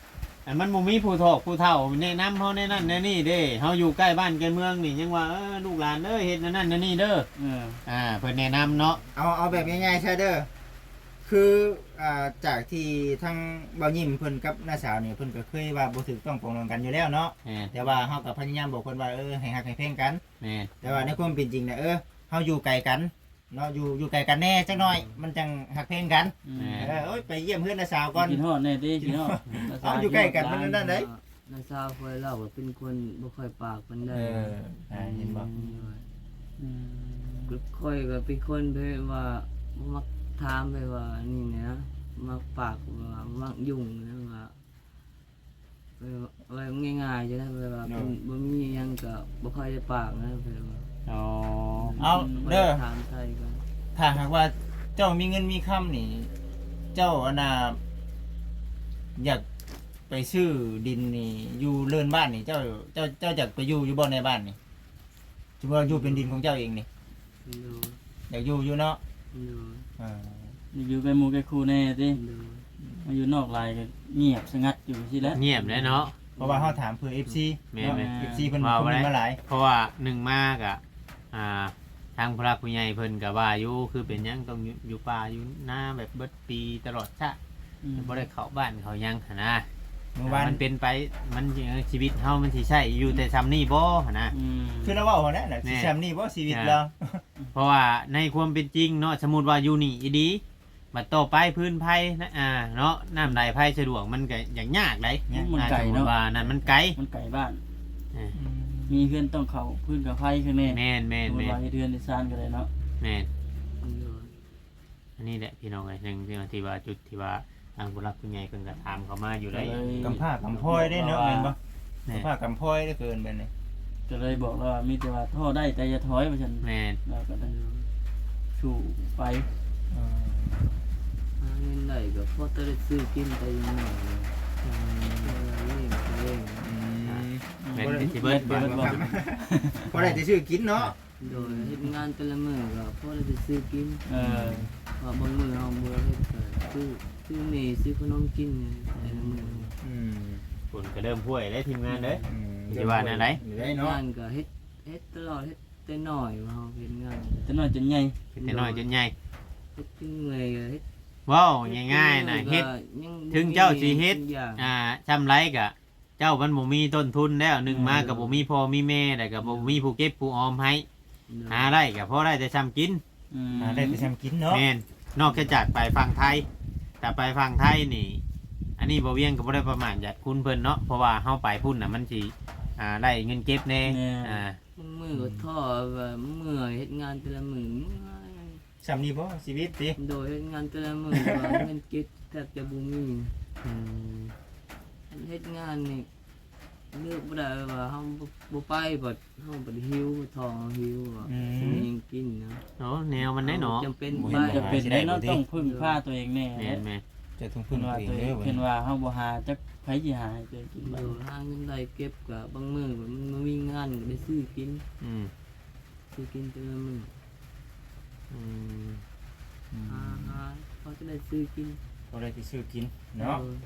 [SPEAKER 1] อันมันบ่มีผู้ทอกผู้เฒ่าแนะนำเฮาในนั้นในนี่เด้เฮาอยู่ใกล้บ้านใกล้เมืองนี่ยังว่าเออลูกหลานเด้อเฮ็ดนั่นนั่นนั่นนี่เด้อ
[SPEAKER 4] เออ
[SPEAKER 1] อ่าเพิ่นแนะนำเนาะ
[SPEAKER 2] เอาเอาแบบง่ายๆใช่เด้อคืออ่าจากที่ทั้งเบายิ้มเพิ่นกับน้าสาวนี่เพิ่นก็เคยว่าบ่ถูกต้องปรองดองกันอยู่แล้วเนาะ
[SPEAKER 1] แม่น
[SPEAKER 2] แต่ว่าเฮาก็พยายามบอกเพิ่นว่าเออให้ฮักให้แพงกัน
[SPEAKER 1] แม่น
[SPEAKER 2] แต่ว่าในความเป็นจริงน่ะเออเฮาอยู่ไกลกันเนาะอยู่อยู่ไกลกันแน่จักหน่อยมันจังฮักแพงกัน
[SPEAKER 4] อืม
[SPEAKER 2] เออโอ้ยไปเยี่ยมเพื่อนน้าสาวก่อน
[SPEAKER 4] กินฮอดแน่ติกินฮอด
[SPEAKER 2] เอาอยู่ใกล้กันมันนั่นเด้
[SPEAKER 3] น้าสาวเคยเล่าว่าเป็นคนบ่ค่อยปากปานใด
[SPEAKER 2] เอออ่าเห็นบ่
[SPEAKER 4] อืม
[SPEAKER 3] ก็ค่อยก็เป็นคนไปว่ามักถามไปว่านี่นะมักปากว่ามักยุ่งนะว่าไปว่าง่ายๆจะได้ไปว่าเป็นบ่มีหยังก็บ่ค่อยได้ปากนะไปว่า
[SPEAKER 1] อ๋อ
[SPEAKER 2] เอาเด้อ
[SPEAKER 3] ถามไทยกัน
[SPEAKER 2] ถ้าหากว่าเจ้ามีเงินมีคำนี่ เจ้าอันน่ะอยากไปซื้อดินนี่อยู่เรือนบ้านนี่เจ้าเจ้าเจ้าอยากไปอยู่อยู่บ่ในบ้านนี่สมมุติว่าอยู่เป็นดินของเจ้าเองนี่
[SPEAKER 3] ดู
[SPEAKER 2] อยากอยู่อยู่เนาะ
[SPEAKER 3] ดู
[SPEAKER 2] อ่า
[SPEAKER 4] อยู่ไปหมู่ไปครูแน่ติ
[SPEAKER 3] ดู
[SPEAKER 4] มาอยู่นอกลายก็เงียบสงัดอยู่สิแล้ว
[SPEAKER 1] เงียบเลยเนาะ
[SPEAKER 2] เพราะว่าเฮาถามเพื่อ เอฟ ซี
[SPEAKER 1] แม่
[SPEAKER 2] เนาะ
[SPEAKER 1] แม่
[SPEAKER 2] เอฟ ซี เพิ่น
[SPEAKER 1] ว่า
[SPEAKER 2] คอม
[SPEAKER 1] บ่
[SPEAKER 2] เม
[SPEAKER 1] ได้
[SPEAKER 2] นต์มาหลาย
[SPEAKER 1] เพราะว่าหนึ่งมากอ่ะอ่าทางพระผู้ใหญ่เพิ่นก็ว่าอยู่คือเป็นหยังต้องอยู่อยู่ป่าอยู่หน้าแบบเบิดปีตลอดชะ
[SPEAKER 4] อืม
[SPEAKER 1] บ่ได้เข้าบ้านเขาหยังหันนะ
[SPEAKER 2] เมื่อวาน
[SPEAKER 1] มันเป็นไปมันชีวิตเฮามันสิใช่อยู่แต่ซ้ำนี่บ่หันนะ
[SPEAKER 4] อืม
[SPEAKER 2] คือเราเว้าหัวนั่นน่ะสิแซมนี่บ่ชีวิตเรา
[SPEAKER 1] เพราะว่าในความเป็นจริงเนาะสมมุติว่าอยู่นี่อีดีบัดต่อไปพื้นภัยนะอ่าเนาะน้ำใดภัยสะดวกมันก็อย่างยากได้
[SPEAKER 4] มัน
[SPEAKER 1] อ่า
[SPEAKER 4] ไกล
[SPEAKER 1] สมมุ
[SPEAKER 4] เนาะ
[SPEAKER 1] ติว่านั่นมันไกล
[SPEAKER 4] มันไกลบ้าน
[SPEAKER 1] อ่า
[SPEAKER 4] มีเพื่อนต้องเข้าพื้นกับไฟข้างใน
[SPEAKER 1] แม่นแม่น
[SPEAKER 4] สมมุ
[SPEAKER 1] แม่
[SPEAKER 4] ติว่าน เฮ็ดเรือนในซานก็ได้เนาะ
[SPEAKER 1] แม่น
[SPEAKER 3] ดู
[SPEAKER 1] อันนี้แหละพี่น้องเอ้ยหนึ่งที่ว่าที่ว่าจุดที่ว่าทางผู้รักผู้ใหญ่เพิ่นก็ถามเข้ามาอยู่ได้
[SPEAKER 2] กำผ้ากำพร้อยได้เนาะแม่นบ่
[SPEAKER 1] แม่น
[SPEAKER 2] กำผ้ากำพร้อยได้เกินไปนี่
[SPEAKER 4] ก็เลยบอกว่ามีแต่ว่าท่อได้แต่อย่าถอยว่าฉัน
[SPEAKER 1] แม่น
[SPEAKER 4] แล้วก็ได้สู่ไป
[SPEAKER 2] อืม
[SPEAKER 3] หาเงินได้ก็พอจะได้ซื้อกินไปยังไงเออเล่นเล่น
[SPEAKER 2] อืม
[SPEAKER 1] แม่นที่สิเบิด
[SPEAKER 4] เบิดบ่
[SPEAKER 2] พอได้จะชื่อกินเนาะ
[SPEAKER 3] โดยเฮ็ดงานแต่ละมื้อก็พอได้ไปซื้อกิน
[SPEAKER 4] เออ
[SPEAKER 3] ว่าบางมื้อเฮาบ่เฮ็ดก็ซื้อซื้อหมี่ซื้อขนมกินเนี่ยแต่ละมื้อ
[SPEAKER 2] อืม
[SPEAKER 1] ฝนก็เริ่มห้วยแล้วทีมงานเด้อ
[SPEAKER 2] อืม
[SPEAKER 1] สิว่าแนวไหน
[SPEAKER 2] อยู่ได้เนาะ
[SPEAKER 3] งานก็เฮ็ดเฮ็ดตลอดเฮ็ดแต่น้อยว่าเฮาเฮ็ดงาน
[SPEAKER 4] จะน้อยจนใหญ่
[SPEAKER 1] เป็นแต่น้อยจนใหญ่
[SPEAKER 3] เฮ็ดจนเมื่อยก็เฮ็ด
[SPEAKER 1] ว้าวง่ายๆน่ะเฮ็ด ถึงเจ้าสิเฮ็ด
[SPEAKER 3] ทุกอย่าง
[SPEAKER 1] อ่าจำไรกะเจ้ามันบ่มีต้นทุนแล้วหนึ่งมากับบ่มีพ่อมีแม่แต่กับบ่มีผู้เก็บผู้ออมให้หาได้ก็พอได้แต่ซ้ำกิน
[SPEAKER 4] อืม
[SPEAKER 2] หาได้ไปทำกินเนาะ
[SPEAKER 1] แม่นนอกจากไปฝั่งไทยแต่ไปฝั่งไทยนี่ อันนี้บ่เวียงก็บ่ได้ประมาทญาติคุณเพิ่นเนาะเพราะว่าเฮาไปพุ่นน่ะมันสิอ่าได้เงินเก็บแน่อ่า
[SPEAKER 3] มือก็ท้อว่าเมื่อยเฮ็ดงานแต่ละมื้อเมื่อย
[SPEAKER 2] สำนี้บ่ชีวิตติ
[SPEAKER 3] โดยเฮ็ดงานแต่ละมื้อว่าเงินเก็บแทบจะบ่มี
[SPEAKER 1] อืม
[SPEAKER 3] เฮ็ดงานนี่เลือกบ่ได้ว่าเฮาบ่บ่ไปบัดเฮาบัดหิวท้องหิวว่าสิมีหยังกินนะ
[SPEAKER 1] โอ้แนวมันได้เนาะ
[SPEAKER 3] จำเป็น
[SPEAKER 2] บ่
[SPEAKER 3] ไป
[SPEAKER 2] เห็น
[SPEAKER 4] จะเป็นได้เนาะต้องพึ่งพาตัวเองแน่
[SPEAKER 1] แม่นแม่น
[SPEAKER 2] จะต้อง
[SPEAKER 4] เพิ่
[SPEAKER 2] พึ่
[SPEAKER 4] น
[SPEAKER 2] ง
[SPEAKER 4] ว่า
[SPEAKER 2] ตัวเอง
[SPEAKER 4] ตัวเอง
[SPEAKER 2] เด้อ
[SPEAKER 4] เพิ่นว่าเฮาบ่หาจักไผสิหาให้ตัวเองกิน
[SPEAKER 3] เอ
[SPEAKER 4] บ่
[SPEAKER 3] อหาเงินได้เก็บก็บางมื้อก็มันบ่มีงานก็ได้ซื้อกิน
[SPEAKER 1] อืม
[SPEAKER 3] ซื้อกินแต่ละมื้อ
[SPEAKER 1] อืม
[SPEAKER 3] หาหาเขาจะได้ซื้อกิน
[SPEAKER 2] บ่ได้ที่ซื้อกินเนาะ
[SPEAKER 3] ออ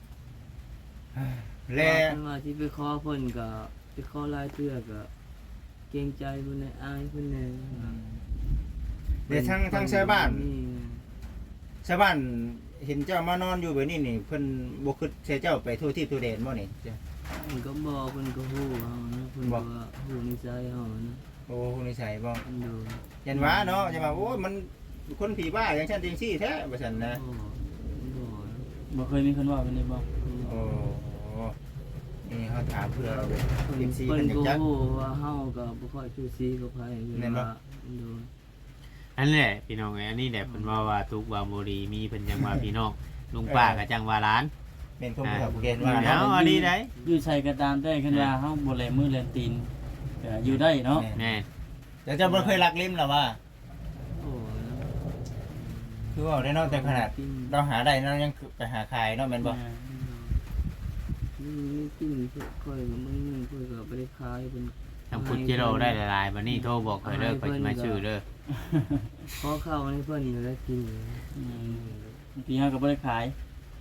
[SPEAKER 2] แล้
[SPEAKER 3] เพิ่นว่าสิไปขอเพิ่นก็ไปขอหลายเทื่อก็เกรงใจเพิ่นน่ะอายเพิ่นน่ะ
[SPEAKER 2] เดี๋ยวทั้งทั้งชาวบ้าน
[SPEAKER 3] นี่
[SPEAKER 2] ชาวบ้านเห็นเจ้ามานอนอยู่แบบนี้นี่เพิ่นบ่คิดใส่เจ้าไปทั่วที่ทั่วแดนบ่นี่
[SPEAKER 3] เพิ่นก็บอกเพิ่นก็ฮู้เฮานะเพิ่น
[SPEAKER 2] บ
[SPEAKER 3] ก็
[SPEAKER 2] อก
[SPEAKER 3] ฮู้นิสัยเฮานะ
[SPEAKER 2] โอ้นิสัยบ่
[SPEAKER 3] เพิ่นดู
[SPEAKER 2] ยันว่าเนาะจะมาโอ้ยมันคนผีบ้าอย่างฉันจริงซี่แท้ว่าซั่นนะ
[SPEAKER 3] โอ้โห
[SPEAKER 4] บ่เคยมีคนว่าเป็นได้บ่
[SPEAKER 2] โอ้นี่เฮาถามเพื่อ
[SPEAKER 3] เพิ่น
[SPEAKER 2] เอ็มซี
[SPEAKER 3] เพิ่
[SPEAKER 2] เพิ่
[SPEAKER 3] น
[SPEAKER 2] นอยาก
[SPEAKER 3] ก็
[SPEAKER 2] จัก
[SPEAKER 3] ฮู้ว่าเฮาก็บ่ค่อยชูซีกับไผเพิ่น
[SPEAKER 2] แม่นบ่
[SPEAKER 3] ว่าดู
[SPEAKER 1] อันนี้แหละพี่น้องไอ้อันนี้แหละเพิ่นว่าว่าทุกว่าบ่ดีมีเพิ่นจังว่าพี่น้องลุงป้าก็จังว่าหลาน
[SPEAKER 2] แม่นคนผู้ผู้เกณฑ์ว่า
[SPEAKER 1] เอา
[SPEAKER 2] เนาะ
[SPEAKER 1] อันนี้ได้
[SPEAKER 4] อยู่ใส่ก็ตามแต่คันว่าเฮาบ่แลมือแลตีนก็อยู่ได้เนาะ
[SPEAKER 1] แน่
[SPEAKER 2] แต่เจ้าบ่เคยลักลิ้มหรอว่า
[SPEAKER 3] โอ้นะ
[SPEAKER 2] คือว่าได้เนาะแต่ขนาดเราหาได้เนาะยังไปหาขายเนาะแม่นบ่
[SPEAKER 3] นี่นี่กินค่อยก็มึงนึงค่อยก็บ่ได้ขายเพิ่น
[SPEAKER 1] ทำพุทธกิโลได้หลายๆบัดนี้โทรบอกข่อยเด้อข่อยสิมาชื่อเด้อ
[SPEAKER 3] ขอข้าวให้เพิ่นอยู่แล้วกิน
[SPEAKER 4] อืมบางทีเฮาก็บ่ได้ขาย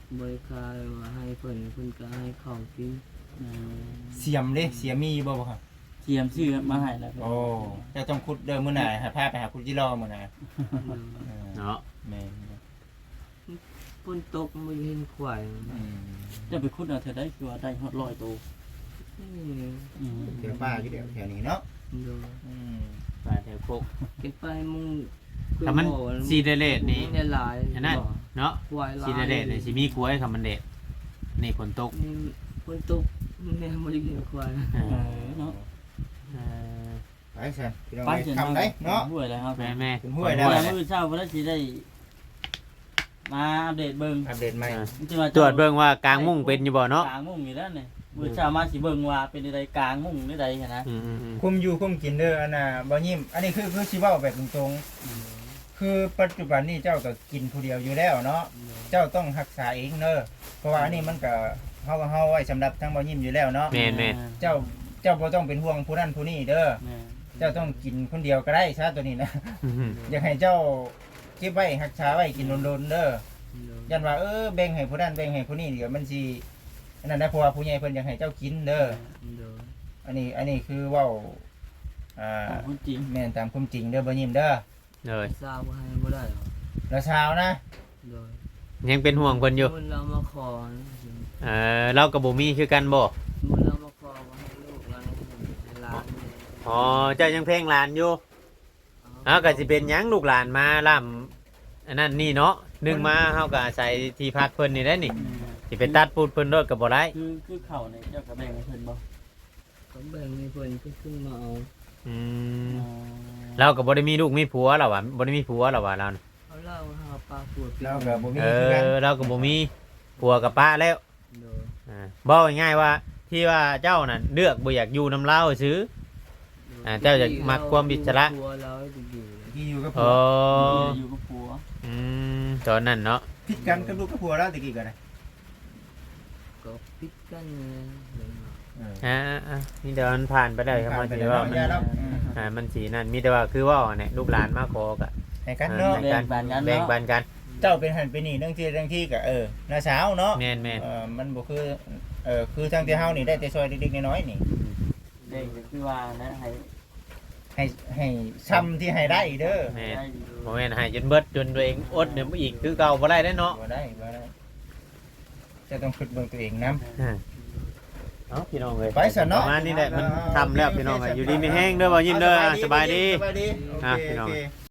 [SPEAKER 3] บริการว่าให้เพิ่นเพิ่นก็ให้ข้าวกิน
[SPEAKER 4] เออ
[SPEAKER 2] เสียมเด้เสียมมีอยู่บ่บ่ครับ
[SPEAKER 4] เทียมชื่อมาให้แล้ว
[SPEAKER 2] โอ้เจ้าต้องขุดเด้อมื้อหน้าให้พาไปหาคุณจิรอมื้อหน้า
[SPEAKER 1] เนาะ
[SPEAKER 2] แม่น
[SPEAKER 3] ฝนตกบ่เห็นควาย
[SPEAKER 2] อืม
[SPEAKER 4] จะไปคุดเอาเธอได้คือว่าได้ฮอดร้อยตัว
[SPEAKER 3] นี่
[SPEAKER 4] อืม
[SPEAKER 2] เดี๋ยวป้าอยู่เดี๋ยวแถวนี้เนาะ
[SPEAKER 3] โดย
[SPEAKER 2] อืม
[SPEAKER 1] ไปแถวโคก
[SPEAKER 3] เก็บไปมุง
[SPEAKER 1] ถ้ามันซีเดเลตนี่
[SPEAKER 3] ได้หลาย
[SPEAKER 1] อันนั้นเนาะ
[SPEAKER 3] ควายหลาย
[SPEAKER 1] ซีเดเลตนี่สิมีกล้วยคำมันเด็ดนี่ฝนตก
[SPEAKER 3] นี่ฝนตกแม่บ่ได้กินควาย
[SPEAKER 1] เอ
[SPEAKER 4] เอ
[SPEAKER 1] อ
[SPEAKER 4] อเนาะ
[SPEAKER 1] เออ
[SPEAKER 2] ไปซั่นพี่น้อง
[SPEAKER 4] ไป
[SPEAKER 2] ไป
[SPEAKER 4] จน
[SPEAKER 2] ทำได้เนาะ
[SPEAKER 4] ห้วยแล้วครับ
[SPEAKER 1] แม่แม่
[SPEAKER 2] เป็นห้วยแล้
[SPEAKER 4] แล้ว วมื้อเช้าเพิ่นสิได้มาอัปเดตเบิ่ง
[SPEAKER 2] อัปเดตใหม่
[SPEAKER 4] มันจะมา
[SPEAKER 1] ตรวจเบิ่งว่ากลางมุ้งเป็นอยู่บ่เนาะ
[SPEAKER 4] กลางมุ้งอยู่แล้วนี่มื้อเช้ามาสิเบิ่งว่าเป็นใดกลางมุ้งหรือใดหันนะ
[SPEAKER 1] อืมอืมอืม
[SPEAKER 2] คุมอยู่คุมกินเด้ออันน่ะบ่ยิ้มอันนี้คือคือสิเว้าแบบตรงๆคือปัจจุบันนี้เจ้าก็กินผู้เดียวอยู่แล้วเนาะเจ้าต้องรักษาเองเด้อเพราะว่าอันนี้มันก็เฮาก็เฮาไว้สำหรับทั้งบ่ยิ้มอยู่แล้วเนาะ
[SPEAKER 1] แม่นแม่น
[SPEAKER 2] เจ้าเจ้าบ่ต้องเป็นห่วงผู้นั้นผู้นี้เด้อ
[SPEAKER 4] แม่
[SPEAKER 2] เจ้าต้องกินคนเดียวก็ได้ซะตัวนี้นะ
[SPEAKER 1] อืมอืม
[SPEAKER 2] อยากให้เจ้าเก็บไว้รักษาไว้กินโดนๆเด้อ
[SPEAKER 3] โดย
[SPEAKER 2] ยันว่าเออแบ่งให้ผู้นั้นแบ่งให้ผู้นี้เดี๋ยวมันสิอันนั้นนะเพราะว่าผู้ใหญ่เพิ่นอยากให้เจ้ากินเด้อ
[SPEAKER 3] โดย
[SPEAKER 2] อันนี้อันนี้คือเว้าอ่า
[SPEAKER 4] ของคุณจริง
[SPEAKER 2] แม่นตามความจริงเด้อบ่ยิ้มเด้อ
[SPEAKER 1] เลย
[SPEAKER 3] ทราบว่าให้บ่ได้หรอก
[SPEAKER 2] แล้วเช้านะ
[SPEAKER 3] โดย
[SPEAKER 1] ยังเป็นห่วงเพิ่นอยู่
[SPEAKER 3] มันเรามาขอนะ
[SPEAKER 1] เออเรากับบ่มีคือกันบ่
[SPEAKER 3] มันเรามาขอว่าให้ลูกหลานให้หลานเนี่ย
[SPEAKER 1] อ๋อเจ้ายังเพลงหลานอยู่อ้าวก็สิเป็นหยังลูกหลานมาล่ำอันนั้นนี่เนาะหนึงมาเฮาก็อาศัยที่พักเพิ่นนี่ได้นี่สิไปตัดปูดเพิ่นรถก็บ่ได้
[SPEAKER 4] คือคือเข่าเนี่ยเจ้าก็แบ่งให้เพิ่นบ่
[SPEAKER 3] ก็แบ่งให้เพิ่นก็ขึ้นมาเอา
[SPEAKER 1] อืม
[SPEAKER 4] อ๋อ
[SPEAKER 1] เราก็บ่ได้มีลูกมีผัวหรอวะบ่ได้มีผัวหรอวะเราน่ะ
[SPEAKER 3] เอาเหล้าหาปลาปวด
[SPEAKER 2] เราก็บ่มี
[SPEAKER 1] เอ
[SPEAKER 2] คือกัน
[SPEAKER 1] อเราก็บ่มีผัวกับป้าแล้ว
[SPEAKER 3] โดย
[SPEAKER 1] อ่าบอกง่ายๆว่าที่ว่าเจ้าน่ะเลือกบ่อยากอยู่นำเราซื้อ อ่าเจ้าจะมักความอิสระ
[SPEAKER 3] ตัวเราจะอยู่
[SPEAKER 2] ที่อยู่กับ
[SPEAKER 1] อ๋
[SPEAKER 2] ผั
[SPEAKER 1] อ
[SPEAKER 2] ว
[SPEAKER 4] อยู่กับผัว
[SPEAKER 1] อืมตอนนั้นเนาะ
[SPEAKER 2] ผิดกันกับลูกกับผัวแล้วตะกี้ก็ได้
[SPEAKER 3] ก็ปิดกันเลยเห็นไหม
[SPEAKER 2] เออ
[SPEAKER 1] อ่าอ่านี่เดี๋ยวมันผ่านไปได้ครับ
[SPEAKER 2] ผ่า
[SPEAKER 1] ว่าน
[SPEAKER 2] ไป
[SPEAKER 1] สิ
[SPEAKER 2] แล้ว
[SPEAKER 1] ว่า
[SPEAKER 2] เนาะ
[SPEAKER 1] มัน
[SPEAKER 2] อย่าแล้วอืม
[SPEAKER 1] อ่ามันสีนั่นมีแต่ว่าคือว่าเนี่ยลูกหลานมาขอก็
[SPEAKER 2] ให้กันเนาะ
[SPEAKER 1] แบ่งกันแบ่งปันกัน
[SPEAKER 2] เจ้าเป็นหันเป็นนี่เรื่องที่เรื่องที่ก็เออน้าสาวเนาะ
[SPEAKER 1] แม่นแม่น
[SPEAKER 2] เออมันบ่คือเออคือทางที่เฮานี่ได้แต่ซอยเล็กๆน้อยๆนี่
[SPEAKER 4] เด็กก็คือว่านะให้
[SPEAKER 2] ให้ให้ซ้ำที่ให้ได้เด้อ
[SPEAKER 1] แม่น
[SPEAKER 4] ได้
[SPEAKER 1] บ่แม่นให้จนเบิดจนตัวเองอดเดี๋ยวอีกคือเก่าบ่ได้เด้อเนาะ
[SPEAKER 2] บ่ได้บ่ได้จะต้องคิดเบิ่งตัวเองนํ
[SPEAKER 1] เนาะพี่น้องเอ้ย
[SPEAKER 2] ไปซะเนาะ
[SPEAKER 1] ประมาณนี้แหละมันทำแล้วพี่น้องเอ้ยอยู่ดีมีแห้งเด้อบ่ยิ้มเด้อสบายดี
[SPEAKER 2] สบายดีโอ
[SPEAKER 1] อ่ะ
[SPEAKER 2] เค
[SPEAKER 1] พี่น้
[SPEAKER 2] โอ
[SPEAKER 1] อง
[SPEAKER 2] เค